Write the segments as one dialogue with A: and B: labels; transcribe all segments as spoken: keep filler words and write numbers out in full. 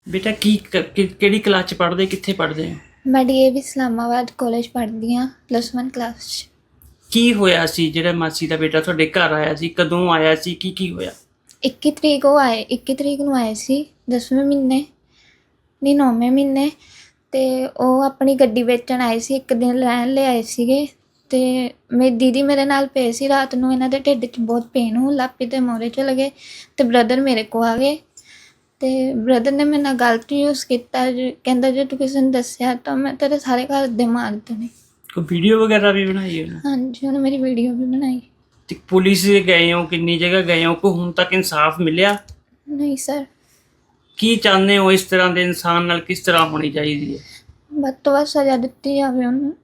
A: बेटा की किहड़ी क्लास च पढ़दे कित्थे पढ़दे हो?
B: मैं डीएवी इस्लामाबाद कॉलेज पढ़दी हाँ प्लस वन क्लास च।
A: ਕੀ ਹੋਇਆ ਸੀ ਜਿਹੜਾ ਮਾਸੀ ਦਾ ਬੇਟਾ ਤੁਹਾਡੇ ਘਰ ਆਇਆ ਸੀ? ਕਦੋਂ ਆਇਆ ਸੀ? ਕੀ ਕੀ ਹੋਇਆ?
B: ਇੱਕੀ ਤਰੀਕ ਉਹ ਆਏ ਇੱਕੀ ਤਰੀਕ ਨੂੰ ਆਏ ਸੀ ਦਸਵੇਂ ਮਹੀਨੇ ਨਹੀਂ ਨੌਵੇਂ ਮਹੀਨੇ ਅਤੇ ਉਹ ਆਪਣੀ ਗੱਡੀ ਵੇਚਣ ਆਏ ਸੀ। ਇੱਕ ਦਿਨ ਰਹਿਣ ਲਈ ਆਏ ਸੀਗੇ ਅਤੇ ਮੇਰੀ ਦੀਦੀ ਮੇਰੇ ਨਾਲ ਪਏ ਸੀ। ਰਾਤ ਨੂੰ ਇਹਨਾਂ ਦੇ ਢਿੱਡ 'ਚ ਬਹੁਤ ਪੇਨ ਹੋਣ ਲੱਗ ਪਈ ਅਤੇ ਮੋਰੇ ਚਲੇ ਗਏ ਅਤੇ ਬ੍ਰਦਰ ਮੇਰੇ ਕੋਲ ਆ ਗਏ ਅਤੇ ਬ੍ਰਦਰ ਨੇ ਮੇਰੇ ਨਾਲ ਗਲਤ ਯੂਜ਼ ਕੀਤਾ। ਕਹਿੰਦਾ ਜੇ ਤੂੰ ਕਿਸੇ ਨੂੰ ਦੱਸਿਆ ਤਾਂ ਮੈਂ ਤੇਰੇ ਸਾਰੇ ਘਰ ਦੇ ਮਾਰ ਦੇਣੇ।
A: ਕੋਈ ਵੀਡੀਓ ਵਗੈਰਾ ਵੀ ਬਣਾਈ ਹੈ?
B: ਹਾਂਜੀ ਉਹਨੇ ਮੇਰੀ ਵੀਡੀਓ ਵੀ ਬਣਾਈ।
A: ਤੇ ਪੁਲਿਸ ਦੇ ਗਏ ਹੋ? ਕਿੰਨੀ ਜਗ੍ਹਾ ਗਏ ਹੋ? ਕੋਈ ਹੁਣ ਤੱਕ ਇਨਸਾਫ ਮਿਲਿਆ?
B: ਨਹੀਂ ਸਰ।
A: ਕੀ ਚਾਹੁੰਦੇ ਹੋ ਇਸ ਤਰ੍ਹਾਂ ਦੇ ਇਨਸਾਨ ਨਾਲ ਕਿਸ ਤਰ੍ਹਾਂ ਹੋਣੀ ਚਾਹੀਦੀ ਹੈ?
B: ਵੱਧ ਤੋਂ ਵੱਧ ਸਜ਼ਾ ਦਿੱਤੀ ਜਾਵੇ ਉਹਨੂੰ।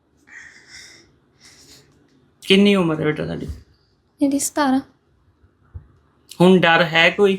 A: ਕਿੰਨੀ ਉਮਰ ਹੈ ਬੇਟਾ ਤੁਹਾਡੀ?
B: ਇਹਦੀ ਸਤਾਰਾਂ।
A: ਹੁਣ ਡਰ ਹੈ ਕੋਈ?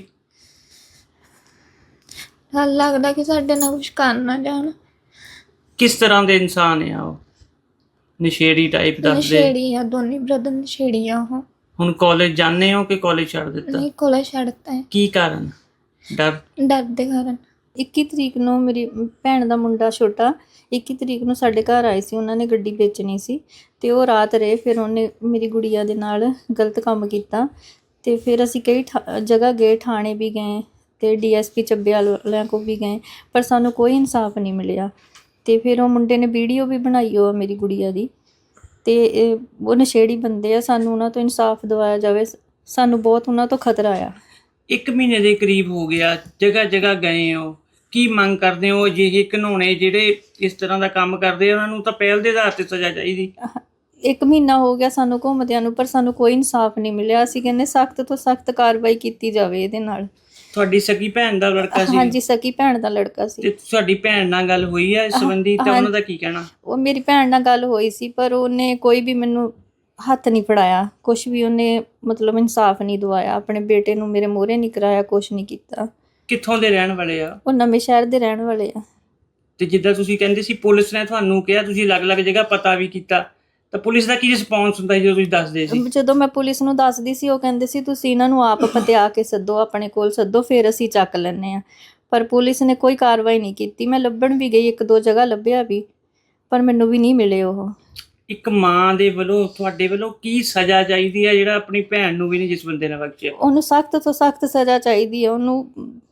B: ਡਰ ਲੱਗਦਾ ਕਿ ਸਾਡੇ ਨਾਲ ਕੁਛ ਕਰ ਨਾ ਜਾਣ।
A: ਕਿਸ ਤਰ੍ਹਾਂ ਦੇ ਇਨਸਾਨ ਆ ਉਹ? ਨਸ਼ੇੜੀ ਟਾਈਪ ਦੱਸਦੇ?
B: ਨਸ਼ੇੜੀ ਆ, ਦੋਨੇ ਬ੍ਰਦਰ ਨਸ਼ੇੜੀ ਆ ਉਹ।
A: ਹੁਣ ਕਾਲਜ ਜਾਂਦੇ ਹੋ ਕਿ ਕਾਲਜ ਛੱਡ ਦਿੱਤਾ?
B: ਨਹੀਂ ਕਾਲਜ ਛੱਡਤਾ ਹੈ।
A: ਕੀ ਕਾਰਨ? ਡਰ?
B: ਡਰ ਦੇ ਕਾਰਨ।
C: ਇੱਕੀ ਤਰੀਕ ਨੂੰ ਮੇਰੀ ਭੈਣ ਦਾ ਮੁੰਡਾ ਛੋਟਾ ਇੱਕੀ ਤਰੀਕ ਨੂੰ ਸਾਡੇ ਘਰ ਆਏ ਸੀ। ਉਹਨਾਂ ਨੇ ਗੱਡੀ ਵੇਚਣੀ ਸੀ ਅਤੇ ਉਹ ਰਾਤ ਰਹੇ। ਫਿਰ ਉਹਨੇ ਮੇਰੀ ਗੁੜੀਆ ਦੇ ਨਾਲ ਗਲਤ ਕੰਮ ਕੀਤਾ ਅਤੇ ਫਿਰ ਅਸੀਂ ਕਈ ਠਾ ਜਗ੍ਹਾ ਗਏ, ਥਾਣੇ ਵੀ ਗਏ ਅਤੇ ਡੀ ਐਸ ਪੀ ਚੱਬੇ ਵਾਲਿਆਂ ਕੋਲ ਵੀ ਗਏ, ਪਰ ਸਾਨੂੰ ਕੋਈ ਇਨਸਾਫ ਨਹੀਂ ਮਿਲਿਆ। ਅਤੇ ਫਿਰ ਉਹ ਮੁੰਡੇ ਨੇ ਵੀਡੀਓ ਵੀ ਬਣਾਈ ਉਹ ਮੇਰੀ ਗੁੜੀਆ ਦੀ ਅਤੇ ਉਹ ਨਸ਼ੇੜੀ ਬੰਦੇ ਆ। ਸਾਨੂੰ ਉਹਨਾਂ ਤੋਂ ਇਨਸਾਫ ਦਿਵਾਇਆ ਜਾਵੇ। ਸਾਨੂੰ ਬਹੁਤ ਉਹਨਾਂ ਤੋਂ ਖਤਰਾ ਆ।
A: ਇੱਕ ਮਹੀਨੇ ਦੇ ਕਰੀਬ ਹੋ ਗਿਆ, ਜਗ੍ਹਾ ਜਗ੍ਹਾ ਗਏ ਹੋ, ਕੀ ਮੰਗ ਕਰਦੇ ਹੋ? ਅਜਿਹੇ ਘਿਨੌਣੇ ਜਿਹੜੇ ਇਸ ਤਰ੍ਹਾਂ ਦਾ ਕੰਮ ਕਰਦੇ ਉਹਨਾਂ ਨੂੰ ਤਾਂ ਪਹਿਲ ਦੇ ਆਧਾਰ 'ਤੇ ਸਜ਼ਾ ਚਾਹੀਦੀ।
C: ਇੱਕ ਮਹੀਨਾ ਹੋ ਗਿਆ ਸਾਨੂੰ ਘੁੰਮਦਿਆਂ ਨੂੰ, ਪਰ ਸਾਨੂੰ ਕੋਈ ਇਨਸਾਫ ਨਹੀਂ ਮਿਲਿਆ। ਅਸੀਂ ਕਹਿੰਦੇ ਸਖਤ ਤੋਂ ਸਖਤ ਕਾਰਵਾਈ ਕੀਤੀ ਜਾਵੇ ਇਹਦੇ ਨਾਲ। ਤੁਹਾਡੀ
A: ਸਕੀ ਭੈਣ ਦਾ ਲੜਕਾ ਸੀ?
C: ਹਾਂਜੀ ਸਕੀ ਭੈਣ ਦਾ ਲੜਕਾ ਸੀ।
A: ਤੇ ਤੁਹਾਡੀ ਭੈਣ ਨਾਲ ਗੱਲ ਹੋਈ ਹੈ ਇਸ ਸੰਬੰਧੀ ਤਾਂ ਉਹਨਾਂ ਦਾ ਕੀ ਕਹਿਣਾ?
C: ਉਹ ਮੇਰੀ ਭੈਣ ਨਾਲ ਗੱਲ ਹੋਈ ਸੀ, ਪਰ ਉਹਨੇ ਕੋਈ ਵੀ ਮੈਨੂੰ ਹੱਥ ਨਹੀਂ ਫੜਾਇਆ, ਕੁਛ ਵੀ ਉਹਨੇ ਮਤਲਬ ਇਨਸਾਫ ਨਹੀਂ ਦਵਾਇਆ। ਆਪਣੇ ਬੇਟੇ ਨੂੰ ਮੇਰੇ ਮੂਹਰੇ ਨਹੀਂ ਕਰਾਇਆ, ਕੁਛ ਨਹੀਂ ਕੀਤਾ।
A: ਕਿੱਥੋਂ ਦੇ ਰਹਿਣ ਵਾਲੇ ਆ?
C: ਉਹ ਨਵੇਂ ਸ਼ਹਿਰ ਦੇ ਰਹਿਣ ਵਾਲੇ ਆ।
A: ਤੇ ਜਿੱਦਾਂ ਤੁਸੀਂ ਕਹਿੰਦੇ ਸੀ ਪੁਲਿਸ ਨੇ ਤੁਹਾਨੂੰ ਕਿਹਾ, ਤੁਸੀਂ ਅਲੱਗ-ਅਲੱਗ ਜਗ੍ਹਾ ਪਤਾ ਵੀ ਕੀਤਾ, ਤਾਂ ਪੁਲਿਸ ਦਾ ਕੀ ਰਿਸਪੌਂਸ ਹੁੰਦਾ ਸੀ ਜਦੋਂ ਤੁਸੀਂ ਦੱਸਦੇ ਸੀ?
C: ਜਦੋਂ ਮੈਂ ਪੁਲਿਸ ਨੂੰ ਦੱਸਦੀ ਸੀ ਉਹ ਕਹਿੰਦੇ ਸੀ ਤੁਸੀਂ ਇਹਨਾਂ ਨੂੰ ਆਪ ਪਤਿਆ ਕੇ ਸੱਦੋ, ਆਪਣੇ ਕੋਲ ਸੱਦੋ, ਫਿਰ ਅਸੀਂ ਚੱਕ ਲੈਂਦੇ ਹਾਂ। ਪਰ ਪੁਲਿਸ ਨੇ ਕੋਈ ਕਾਰਵਾਈ ਨਹੀਂ ਕੀਤੀ। ਮੈਂ ਲੱਭਣ ਵੀ ਗਈ, ਇੱਕ ਦੋ ਜਗ੍ਹਾ ਲੱਭਿਆ ਵੀ, ਪਰ ਮੈਨੂੰ ਵੀ ਨਹੀਂ ਮਿਲੇ ਉਹ।
A: ਇੱਕ ਮਾਂ ਦੇ ਵੱਲੋਂ ਤੁਹਾਡੇ ਵੱਲੋਂ ਕੀ ਸਜ਼ਾ ਚਾਹੀਦੀ ਹੈ ਜਿਹੜਾ ਆਪਣੀ ਭੈਣ ਨੂੰ ਵੀ ਨਹੀਂ ਜਿਸ ਬੰਦੇ ਨੇ ਬਖਸ਼ਿਆ?
C: ਉਹਨੂੰ ਸਖਤ ਤੋਂ ਸਖਤ ਸਜ਼ਾ ਚਾਹੀਦੀ ਹੈ। ਉਹਨੂੰ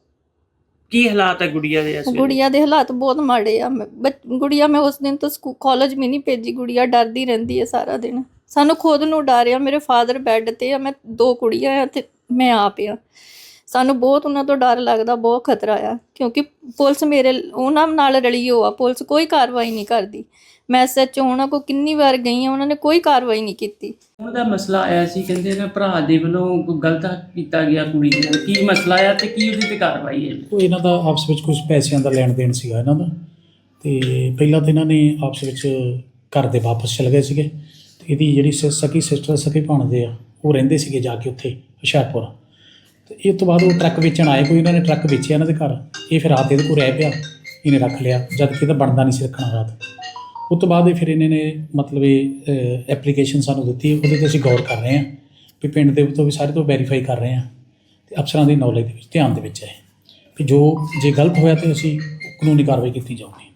A: ਕੀ ਹਾਲਾਤ ਹੈ ਗੁੜੀਆ ਦੇ? ਇਸ
C: ਗੁੜੀਆ ਦੇ ਹਾਲਾਤ ਬਹੁਤ ਮਾੜੇ ਆ। ਗੁੜੀਆ ਮੈਂ ਉਸ ਦਿਨ ਤੋਂ ਸਕੂ ਕਾਲਜ ਵੀ ਨਹੀਂ ਭੇਜੀ। ਗੁੜੀਆ ਡਰਦੀ ਰਹਿੰਦੀ ਹੈ ਸਾਰਾ ਦਿਨ। ਸਾਨੂੰ ਖੁਦ ਨੂੰ ਡਰ ਆ। ਮੇਰੇ ਫਾਦਰ ਬੈੱਡ 'ਤੇ ਆ, ਮੈਂ ਦੋ ਕੁੜੀਆਂ ਆ ਅਤੇ ਮੈਂ ਆਪ ਆ। ਸਾਨੂੰ ਬਹੁਤ ਉਹਨਾਂ ਤੋਂ ਡਰ ਲੱਗਦਾ, ਬਹੁਤ ਖਤਰਾ ਆ, ਕਿਉਂਕਿ ਪੁਲਿਸ ਮੇਰੇ ਉਹਨਾਂ ਨਾਲ ਰਲੀ ਹੋ ਆ। ਪੁਲਿਸ ਕੋਈ ਕਾਰਵਾਈ ਨਹੀਂ ਕਰਦੀ। ਮੈਂ ਐਸ ਐਚ ਓ ਉਹਨਾਂ ਕੋਲ ਕਿੰਨੀ ਵਾਰ ਗਈ ਹਾਂ, ਉਹਨਾਂ ਨੇ ਕੋਈ ਕਾਰਵਾਈ ਨਹੀਂ ਕੀਤੀ।
A: ਉਹਨਾਂ ਦਾ ਮਸਲਾ ਆਇਆ ਸੀ, ਕਹਿੰਦੇ ਨਾ ਭਰਾ ਦੇ ਵੱਲੋਂ ਕੋਈ ਗਲਤ ਕੀਤਾ ਗਿਆ ਕੁੜੀ ਨਾਲ। ਕੀ ਮਸਲਾ ਆ ਤੇ ਕੀ ਉਹਦੀ 'ਤੇ ਕਾਰਵਾਈ ਹੈ?
D: ਉਹ ਇਹਨਾਂ ਦਾ ਆਪਸ ਵਿੱਚ ਕੁਝ ਪੈਸਿਆਂ ਦਾ ਲੈਣ ਦੇਣ ਸੀਗਾ ਇਹਨਾਂ ਦਾ। ਅਤੇ ਪਹਿਲਾਂ ਤਾਂ ਇਹਨਾਂ ਨੇ ਆਪਸ ਵਿੱਚ ਘਰ ਦੇ ਵਾਪਸ ਚਲੇ ਗਏ ਸੀਗੇ ਅਤੇ ਇਹਦੀ ਜਿਹੜੀ ਸ ਸਕੀ ਸਿਸਟਰ ਸਕੀ ਭਾਣਦੇ ਆ ਉਹ ਰਹਿੰਦੇ ਸੀਗੇ ਜਾ ਕੇ ਉੱਥੇ ਹੁਸ਼ਿਆਰਪੁਰ। ਅਤੇ ਇਹ ਤੋਂ ਬਾਅਦ ਉਹ ਟਰੱਕ ਵੇਚਣ ਆਏ, ਕੋਈ ਇਹਨਾਂ ਨੇ ਟਰੱਕ ਵੇਚਿਆ ਇਹਨਾਂ ਦੇ ਘਰ। ਇਹ ਫਿਰ ਰਾਤ ਇਹਦੇ ਕੋਲ ਰਹਿ ਪਿਆ, ਇਹਨੇ ਰੱਖ ਲਿਆ, ਜਦ ਕਿ ਇਹਦਾ ਬਣਦਾ ਨਹੀਂ ਸੀ ਰੱਖਣਾ ਰਾਤ। ਉਸ ਤੋਂ ਬਾਅਦ ਫਿਰ ਇਹਨਾਂ ਨੇ ਮਤਲਬ ਇਹ ਐਪਲੀਕੇਸ਼ਨ ਸਾਨੂੰ ਦਿੱਤੀ। ਉਹਦੇ 'ਤੇ ਅਸੀਂ ਗੌਰ ਕਰ ਰਹੇ ਹਾਂ ਵੀ ਪਿੰਡ ਦੇ ਤੋਂ ਵੀ ਸਾਰੇ ਤੋਂ ਵੈਰੀਫਾਈ ਕਰ ਰਹੇ ਹਾਂ ਅਤੇ ਅਫਸਰਾਂ ਦੀ ਨੌਲੇਜ ਦੇ ਵਿੱਚ ਧਿਆਨ ਦੇ ਵਿੱਚ ਹੈ ਵੀ ਜੋ ਜੇ ਗਲਤ ਹੋਇਆ ਤਾਂ ਅਸੀਂ ਕਾਨੂੰਨੀ ਕਾਰਵਾਈ ਕੀਤੀ ਜਾਊਗੀ।